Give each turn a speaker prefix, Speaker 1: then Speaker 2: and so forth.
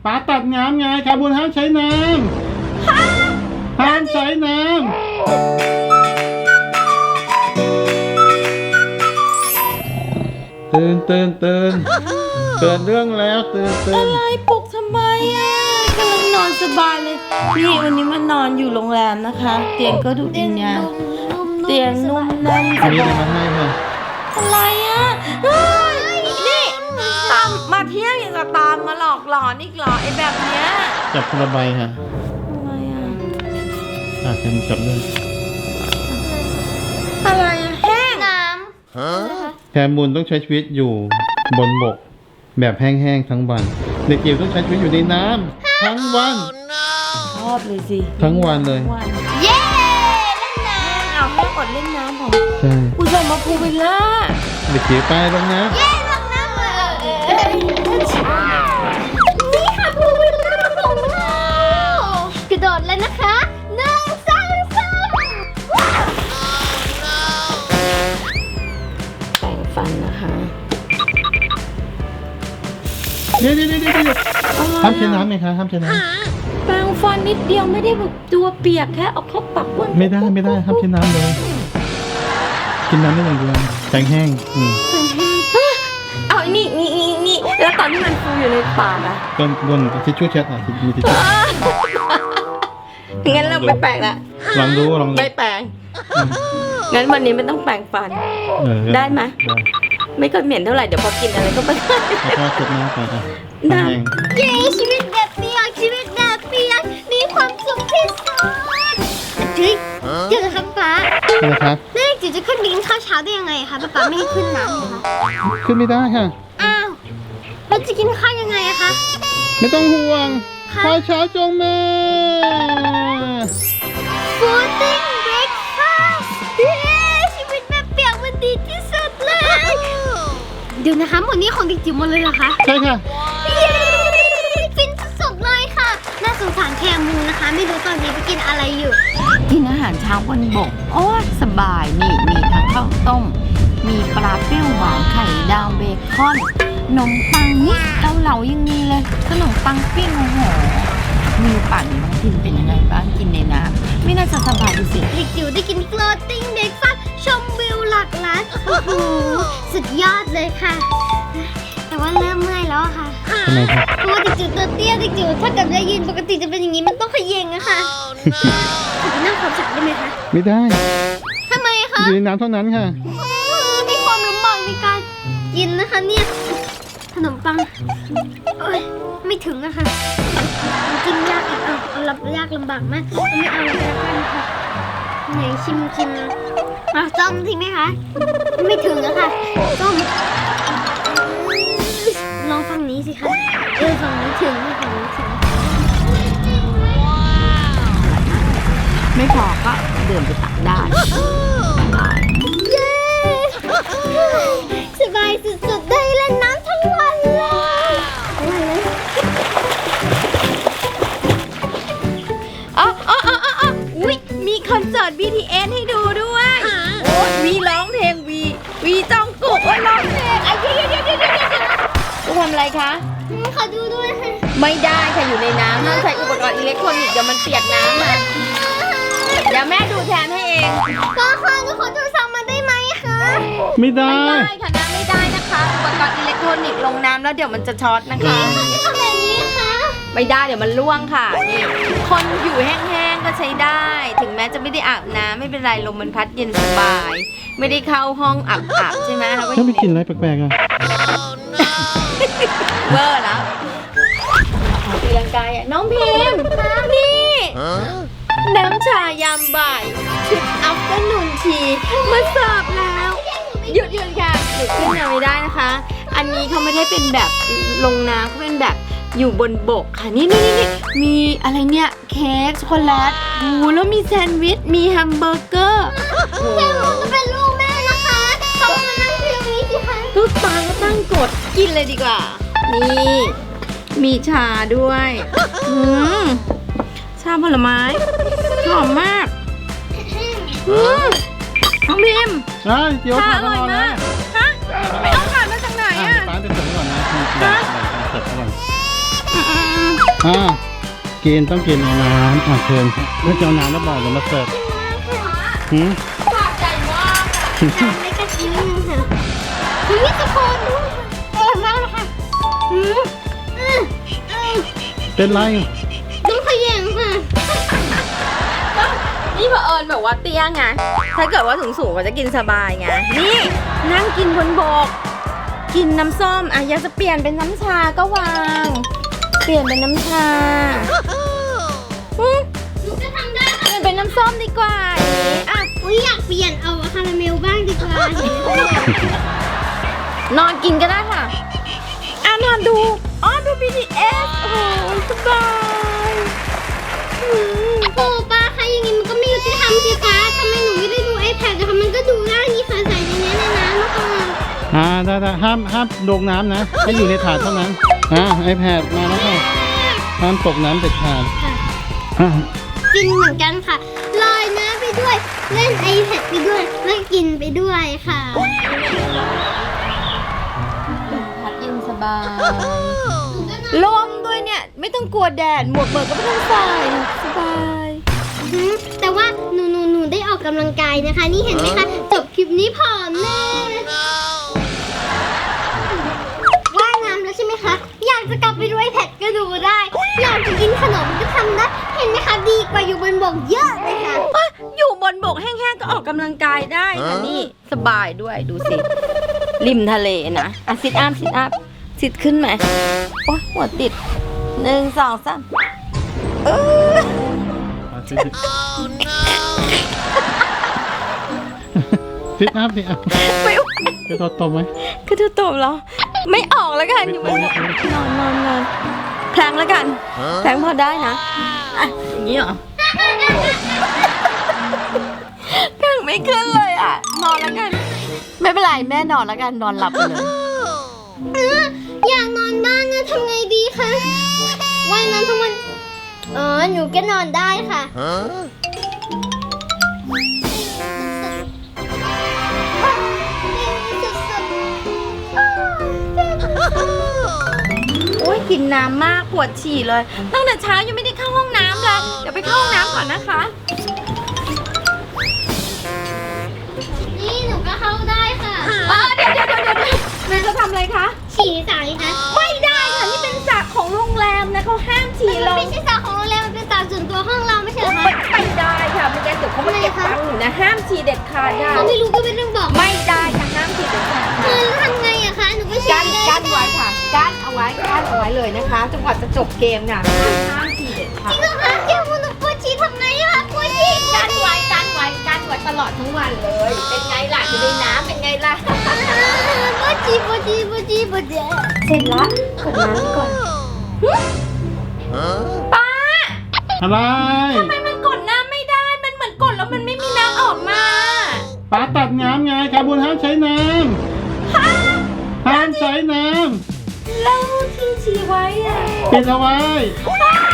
Speaker 1: ป๋าตัดน้ำไงคาบูนห้ามใช้น้ำห้ามใช้น้ำตื่นเรื่องแล้วตื่น
Speaker 2: อะไรปลุกทำไมอ่ะกำลังนอนสบายเลยนี่วันนี้มานอนอยู่โรงแรมนะคะ เตียงก็ดูดีเนี่ยเตียงนุ่มนั่นส
Speaker 1: มีอะไร
Speaker 2: บาย
Speaker 1: มาให้ค่ะ
Speaker 2: อะไรอ่ะเฮ้ยนี่ตามมาเที่ยวอย่างกับตามมาหลอกหลอนอีกเหรอไอ้แบบเนี้ย
Speaker 1: จับคนละใบค่ะ
Speaker 2: อะไรอ่ะ
Speaker 1: แคมจับเลย
Speaker 2: อะไรอ่ะแห้ง
Speaker 3: น้
Speaker 1: แคมูลต้องใช้ชีวิตอยู่บนบก แบบแห้งๆทั้งวันเด็กจิ๋วต้องใช้ชีวิตอยู่ในน้ำทั้งวัน
Speaker 2: ชอบเลยสิ
Speaker 1: ทั้งวันเลย
Speaker 2: วัน
Speaker 3: ำเย้เล่นน้
Speaker 2: เอาแม่อดเล่นน้ำของ
Speaker 1: ใช่
Speaker 2: ผู้ชมมาพูลวิลล่า
Speaker 1: เด็กจิ๋วไปลงน้
Speaker 3: ำเย้ลงน้ำนี่ค่ะพูวิลล่าของเรากระโดดเลยนะคะ1 2 3
Speaker 2: แปรงฟันนะคะ
Speaker 1: ำเดี๋ยวห้ามใช้น้ำไหมคะห้ามใช้น้
Speaker 2: แปรงฟันนิดเดียวไม่ได้แบบตัวเปียกแค่เอาเข้าปากบ้วน
Speaker 1: ำไม่ได้ห้ามใช้น้ำเลย กินน้ำได้อย่างเดียวแข็งแห้ง
Speaker 2: เอานี่แล้วตอนที่มันฟูอยู่ในปากอะ
Speaker 1: ต้นบนทิชชู่เช็ดมีทิชชู่
Speaker 2: งั้นเราไปแปรงละ
Speaker 1: ลองดู
Speaker 2: ไม่แปรงงั้นวันนี้ไม่ต้องแปรงฟัน ได้ไหม ไม่ค่อยเหม็นเท่าไหร่เดี๋ยวพอกินอะไรก็ไม่ได้
Speaker 1: แล้วก็เช็ดหน้าไปค่ะ
Speaker 2: น้ำ
Speaker 1: แห้ง
Speaker 3: เย้ชีวิตแบบเปียกชีวิตแบบเปียกมีความสุขที่สุดเฮ้ยเดี๋ยวนะครับป๊า
Speaker 1: นะครับ
Speaker 3: แล้วจิ๋วจะขึ้นไปกินข้าวเช้าได้ยังไงคะป๊าไม่ให้ขึ้นน้ำเลยคะ
Speaker 1: ขึ้นไม่ได้ค่ะ
Speaker 3: อ้าวเราจะกินข้าวยังไงอะคะ
Speaker 1: ไม่ต้องห่วงข้าวเช้าจงมา
Speaker 3: Fooding breakfast เย้ชีวิตแบบเปียกมันดีที่สุดเลย เดี๋ยวนะคะหมดนี้ของเด็กจิ๋วหมดเลยเหรอคะ
Speaker 1: ใช่ค่ะ
Speaker 3: เย้ฟินสุดๆเลยค่ะ น่าสงสารแคมูนะคะ ไม่รู้ตอนนี้ไปกินอะไรอยู่
Speaker 2: กินอาหารเช้าบนบกโอ้ยสบายนี่มีทั้งข้าวต้ม มีปลาเปรี้ยวหวานไข่ดาวเบคอนนมปังนี่เกาเหลายังมีเลยขนมปังปิ้งโอ้โหมีปั่นน้องพิมเป็นยังไงบ้างกินในน้ำไม่น่าจะสบายดูสิ
Speaker 3: เด็กจิ๋วได้กิน floating breakfast ชมวิวหลักล้านโอ้โหสุดยอดเลยค่ะ แต่ว่าเริ่มเมื่อยแล้วอะค่ะ
Speaker 1: ทำไมครับ
Speaker 3: เพราะว่าเด็กจิ๋วตัวเตี้ยเด็กจิ๋วถ้าเกิดได้ยืนปกติจะเป็นอย่างนี้มันต้องเขย่งอะค่ะขอไปนั่งขอบสระได้ไหมคะ
Speaker 1: ไม่ได้
Speaker 3: ทำไมคะ
Speaker 1: อยู่ในน้ำเท่านั้นค่ะ
Speaker 3: มีความลำบากในการกินนะคะเนี่ยขนมปังโอ้ยไม่ถึงอะค่ะมันกินยากอีกเอารับยากลำบากมากไม่เอาเลยละกันค่ะไหนชิมจ้อมทิ้งไหมคะไม่ถึงอะค่ะจ้อมลองฝั่งนี้สิคะฝั่งนี้ถึงฝั่งนี้ถึง
Speaker 2: ไม่พอก็เดินไปตักได้
Speaker 3: เย้สบายสุดๆได้เล่นน้ำทั้งวันเลย
Speaker 2: อุ๊ยมีคอนเสิร์ต BTS ให้ดูด้วยโอ้วีร้องเพลงวีจองกุกโอ้ร้องเพลงเดี๋ยวจะทำอะไรคะ
Speaker 3: ขอดูด้วยค่ะ
Speaker 2: ไม่ได้ค่ะอยู่ในน้ำห้ามใช้อุปกรณ์อิเล็กทรอนิกส์เดี๋ยวมันเปียกน้ำมาเดี๋ยวแม่ดูแทนให้เอง
Speaker 3: ก็ค่ะหนูขอดูซ้ำมาได้ไหมคะ
Speaker 1: ไม่ได้
Speaker 2: ไม่ได้ค่ะน้ำไม่ได้นะคะอุปกรณ์อิเล็กทรอนิกส์ลงน้ำแล้วเดี๋ยวมันจะช็อตนะคะ
Speaker 3: ทำแบบนี้คะ
Speaker 2: ไม่ได้เดี๋ยวมันล่วงค่ะนี่คนอยู่แห้งๆก็ใช้ได้ ถึงแม้จะไม่ได้อาบน้ำไม่เป็นไรลมมันพัดเย็นสบาย ไม่ได้เข้าห้องอาบใช่ไหมเราก็อ
Speaker 1: ถ้า
Speaker 2: ยู่
Speaker 1: ไป
Speaker 2: ใน
Speaker 1: กินอะไรแปลกๆอ่ะ
Speaker 2: เวอร์แล้วตีลังกายอ่ะน้องพิมพ์นี่น้ำชายามบ่ายชุดอัฟเตอร์นูนทีมาเสิร์ฟแล้วหยุดค่ะหยุดขึ้นมาไม่ได้นะคะ อันนี้เขาไม่ได้เป็นแบบลงน้ำเขาเป็นแบบอยู่บนบกค่ะนี่มีอะไรเนี่ยเค้กช็อกโกแลตแล้วมีแซนด์วิชมีแฮมเบอร์เกอร์
Speaker 3: แม่ผมจะเป็นลูกแม่นะคะเขามานั่งที่ตรงนี้สิคะ
Speaker 2: ลูกตาก็ตั้งกดกินเลยดีกว่า นี่มีชาด้วยชาผลไม้หอมมากน้องพิมพ์
Speaker 1: เดี๋ยว
Speaker 2: ชา
Speaker 1: ผ่า
Speaker 2: อน ร่อย
Speaker 1: นอน
Speaker 2: มา
Speaker 1: นะ
Speaker 2: กฮะไปเอาขาดมาจากไหนอ่ะ
Speaker 1: ป้าไปเสิร์ฟก่อนนะมีเสิร์ฟก่อน
Speaker 2: อ
Speaker 1: กินต้องกินในน้ำเชิญเมื่อเจ้าน้ำแล้วบอกเดี๋ยวมาเสิร์ฟหืม
Speaker 2: ปากใหญ่มาก
Speaker 3: ทำไม่กระชิ้นนึงค่ะคุณมิสโคนด้วยเออมากเลยค่ะอืม
Speaker 1: เป็นไร
Speaker 3: ดูขยันค่ะ
Speaker 2: นี่เผอิญแบบว่าเตี้ยไง ถ้าเกิดว่าสูงๆก็จะกินสบายไง นี่นั่งกินบนบก กินน้ำส้มอ่ะอยากจะเปลี่ยนเป็นน้ำชาก็วาง เปลี่ยนเป็นน้ำชา
Speaker 3: หนูจะทำได้
Speaker 2: เปลี่ยนเป็นน้ำส้มดีกว่าอย่างนี้อ่ะ
Speaker 3: อุ้ยอยากเปลี่ยนเอาคาราเมลบ้างดีกว่าเห็นไหมคะ
Speaker 2: นอนกินก็ได้ค่ะอ่ะนอนดูอ๋อดู BTS โอ้โหสบายอืม
Speaker 3: โอ้ป้าคะอย่างงี้มันก็ไม่ยุติธรรมสิคะทำไมหนูไม่ได้ดู iPad นะคะมันก็ดูได้นี่ค่ะใส่ในนี้ในน้ำนะคะ
Speaker 1: ได้ห้ามลงน้ำนะให้อยู่ในถาดเท่านั้นiPad มาแล้วค่ะห้ามตกน้ำเด็ดขาด
Speaker 3: ค่ะ
Speaker 1: อ่ะ
Speaker 3: กินเหมือนกันค่ะลอยน้ำไปด้วยเล่น iPad ไปด้วยแล้วกินไปด้วยค่ะ
Speaker 2: พัดเย็นสบายลมด้วยเนี่ย ไม่ต้องกลัวแดด หมวกเบิกก็ไม่ต้องใส่สบาย
Speaker 3: แต่ว่าหนูได้ออกกำลังกายนะคะ นี่เห็นไหมคะจบคลิปนี้ผอมแน่ว่ายน้ำแล้วใช่ไหมคะอยากจะกลับไปดู iPad ก็ดูได้ อยากจะกินขนมก็ทำได้เห็นไหมคะดีกว่าอยู่บนบกเยอะเลยค่ะ
Speaker 2: อยู่บนบกแห้งๆก็ออกกำลังกายได้ค่ะนี่สบายด้วยดูสิ ริมทะเลนะอ่ะซิทอัพซิทขึ้นไหมโอ้หัวติด1 2 3
Speaker 1: ซิทอัพสิอ่ะ
Speaker 2: ไม่ไหว
Speaker 1: กระโดดตบไหม
Speaker 2: คือเธอตบแล้วไม่ออกแล้วกันอยู่บนนอนแพลงแล้วกันแพลงพอได้นะอ่ะอย่างนี้เหรอแพลงไม่ขึ้นเลยอ่ะนอนแล้วกัน ไม่เป็นไรแม่นอนแล้วกันนอนหลับไปเลย
Speaker 3: อยากนอนบ้างนะทำไงดีคะว่ายน้ำทั้งวันหนูก็นอนได้ค่ะ
Speaker 2: โอ้ยกินน้ำมากปวดฉี่เลย ตั้งแต่เช้ายังไม่ได้เข้าห้องน้ำเลยเดี๋ยวไปเข้าห้องน้ำก่อนนะคะ
Speaker 3: นี่หนูก็เข้าได้ค่ะ
Speaker 2: เดี๋ยวแม่จะทำอะไรคะ
Speaker 3: ฉี่สายคะ
Speaker 2: ไม่ได้ค่ะนี่เป็นสระของโรงแรมนะเขาห้ามฉี่
Speaker 3: มัน
Speaker 2: ลง
Speaker 3: ไม่ใช่สระของโรงแรมมันเป็นสระส่วนตัวห้องเราไม่ใช่เหรอคะ
Speaker 2: ไม่ได้ค่ะไม่งั้นเดี๋ยวเขามาเก็บตังค์หนูนะห้ามฉี่เด็ดขาดค่ะ
Speaker 3: เขาไม่รู้ก็ไม่ต้องบอก
Speaker 2: ไม่ได้ค่ะห้ามฉี่เด็ดขาดค่ะ
Speaker 3: แล้วทำไงอะคะหนูก็ฉี่
Speaker 2: กั้นไว้ค่ะกั้นเอาไว้เลยนะคะจนกว่าจะจบเกมค่ะห้ามฉี่เด็ดขาด
Speaker 3: จริงเหรอคะเดี๋ยวหนูปวดฉี่ทำไงอะคะปวดฉี่
Speaker 2: กั้นไว้ตลอดทั้งวันเลย เป็นไงล่ะอยู่ในน้ำเป็นไงล่ะ
Speaker 3: ปวดฉี่ปวดฉี่ปวดฉี่ปวดฉี่
Speaker 2: เสร็จแล้วกดน้ำก่อนป้า
Speaker 1: อะไร
Speaker 2: ทำไมมันกดน้ำไม่ได้ มันเหมือนกดแล้วมันไม่มีน้ำออกมา
Speaker 1: ป้าตัดน้ำไงคาร์บูนห้ามใช้น้ำห้ามใช้น้
Speaker 2: แล้วที่ฉี่ไว้อะ
Speaker 1: ำปิดเอาไว้
Speaker 2: ป้า